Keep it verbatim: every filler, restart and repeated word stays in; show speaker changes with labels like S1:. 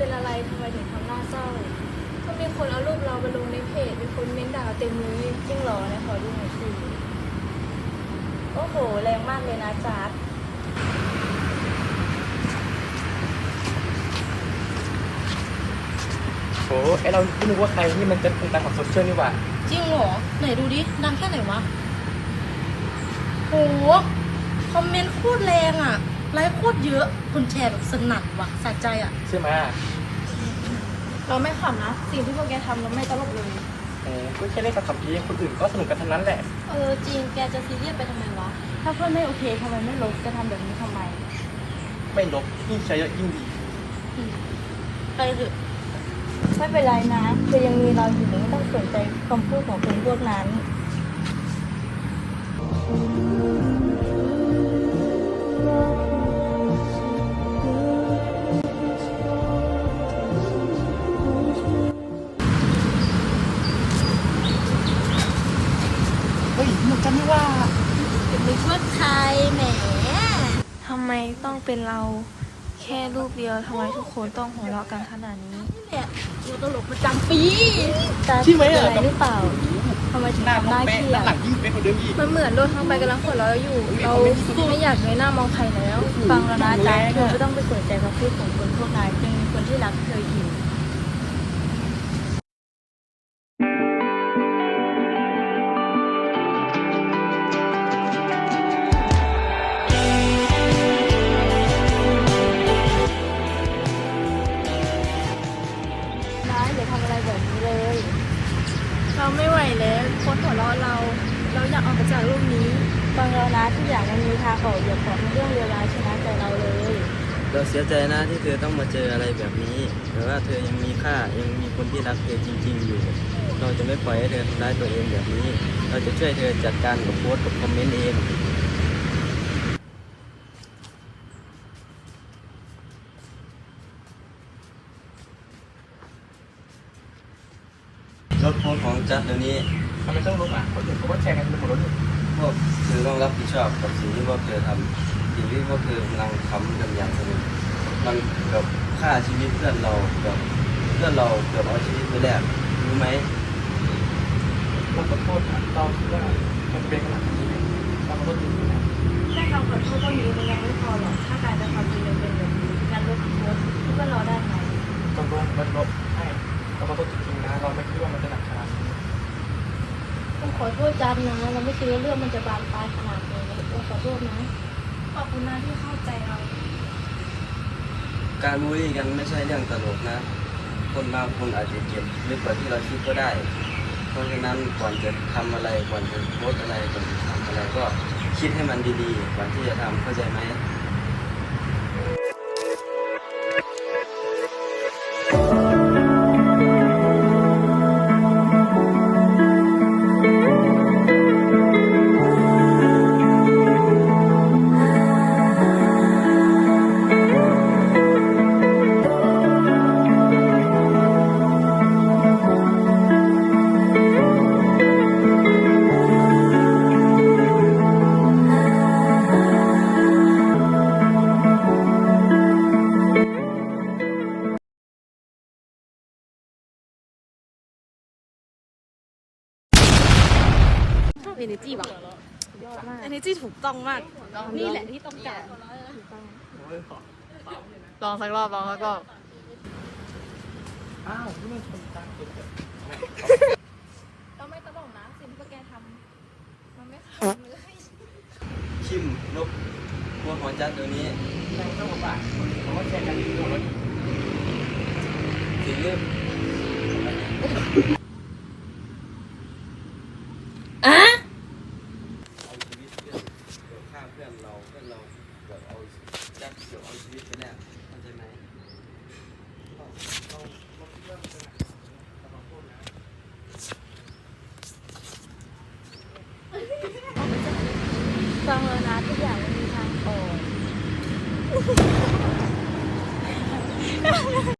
S1: เป็นอะไรทำไมถึงทำหน้าเศร้าก็มีคนเอารูปเราไปลงในเพจมีคนเม้นด่าเต็มเลยจริงเหรอเนี่ยขอดูหน่อยสิโอ้โหแรงมากเลยนะจ๊าด
S2: โอ้ไอเราไม่รู้ว่าใครนี่มันจะเป็นตาของโซเชียลนี่หว่า
S3: จริงเหรอไหนดูดิดังแค่ไหนวะโหคอมเมนต์โคตรแรงอ่ะไลค์โคตรเยอะคนแชร์แบบสนั่นว่ะสะใจอ่ะ
S2: ใช่ไหม
S1: เราไม่ขำนะสิ่งที่พวกแกทำเราไม่ตลกเลย
S2: โอ้ก็แค่เล่นกับคำพีคนอื่นก็สนุกกันทั้งนั้นแหละ
S1: เออจริงแกจะซีเรียสไปทำไมวะถ้าเพื่อนไม่โอเคทำไมไม่ลบจะทำแบบนี้ทำไม
S2: ไม่ลบยิ่งใช้เยอะยิ่งดี
S3: ไปเถอะ
S1: ไม่เป็นไรนะเธอยังมีเราอยู่ไม่ต้องสนใจคำพูดของคนพวกนั้น
S2: เฮ้ยเหมือนกันนี่ว่า
S3: นึกว่าใครแหม
S1: ทำไมต้องเป็นเราแค่รูปเดียวทำไมทุกคนต้องหัวเราะกันขนาดนี้
S3: เนี่ยตัวตลกประจำปี
S1: ตาเป็นอะไรหรือเปล่าทำไมถึงทำหน้าเครียด
S2: หลังยิ่งเป็นคนเดิมอีก
S1: มันเหมือนโดนทางไปกำลังหัวเราะอยู่ เราไม่อยากเงยหน้ามองใครแล้ว ฟังแล้วนะจ๊ะเธอไม่ต้องไปสนใจคำพูดของคนพวกนั้นยังมีคนที่รักเธออยู่นะอย่าทำอะไรแบบนี้เลย เราไม่ไหวแล้วคนหัวเราะเรา เราอยากออกจากโลกนี้ฟังเรานะทุกอย่างมันมีทางออกอย่าขอให้เรื่องเลวร้ายชนะใจเราเลย
S4: เราเสียใจนะที่เธอต้องมาเจออะไรแบบนี้แต่ว่าเธอยังมีค่ายังมีคนที่รักเธอจริงๆอยู่เราจะไม่ปล่อยให้เธอทำร้ายตัวเองแบบนี้เราจะช่วยเธอจัดการกับโพสต์กับคอมเมนต์เองลบโพสต์ของจัดเดี๋ยวนี้
S2: ทำไมต้องลบอ่ะคนอื่นเขาก็แชร์กันเป็นคนละเรื่อง
S4: พวกเธอต้องรับผิดชอบกับสิ่งที่พวกเธอทำสิ่งที่พวกเธอกำลังทำกันอย่างสนุกมันกับฆ่าชีวิตเพื่อนเราแบบเพื่อนเราเกือบเอาชีวิตไปแลกรู้ไหม
S2: เราขอโทษเราคิดว่ามันเป็นขนาดนี้ไหมเราขอโทษจริงๆนะ
S1: แค่คำขอโทษก็มีมันยังไม่พอหรอกถ้าการจะความจริงยังเป็นแบบนี้การลบโพสต์คิดว่าเราได้ไหม
S2: ตกลงมันลบให้เราขอโทษจริงๆนะเราไม่คิดว่ามันจะหนักขนาดนี้
S1: ต้องขอโทษจันนะเราไม่คิดว่าเรื่องมันจะบานปลายขนาดนี้ต้องขอโทษนะขอบคุณนะที่เข้าใจเรา
S4: การบูลลี่กันไม่ใช่เรื่องตลกนะคนบางคนอาจจะเจ็บลึกกว่าที่เราคิดก็ได้เพราะฉะนั้นก่อนจะทำอะไรก่อนจะโพสอะไรก่อนจะทำอะไรก็คิดให้มันดีๆก่อนที่จะทำเข้าใจไหม
S3: เอเนจีว่ะเอเนจีถูกต้องมากนี่แหละที่ต้องการลองสักรอบลองสักรอบ
S2: อ้าวนี่มันคนตามเกิด
S1: เราไม่ตลกนะสิ่งที่พวกแกทำมันไม่ขำเลย
S4: คิมลบโพสต์ของจัดเดี๋ยวนี้
S2: ไม่ต้องบอกว่าเขาก็แชร์กันอยู่หมด
S4: สิ่งที่
S3: อะ
S4: เอาชีวิตเพื่อนเกือบฆ่าเพื่อนเราเพื่อนเราเกือบเอาจัดเกือบเอาชีวิตไปแล้วเข้าใจไหม
S1: ฟังแล้วนะทุกอย่างมันมีทางออก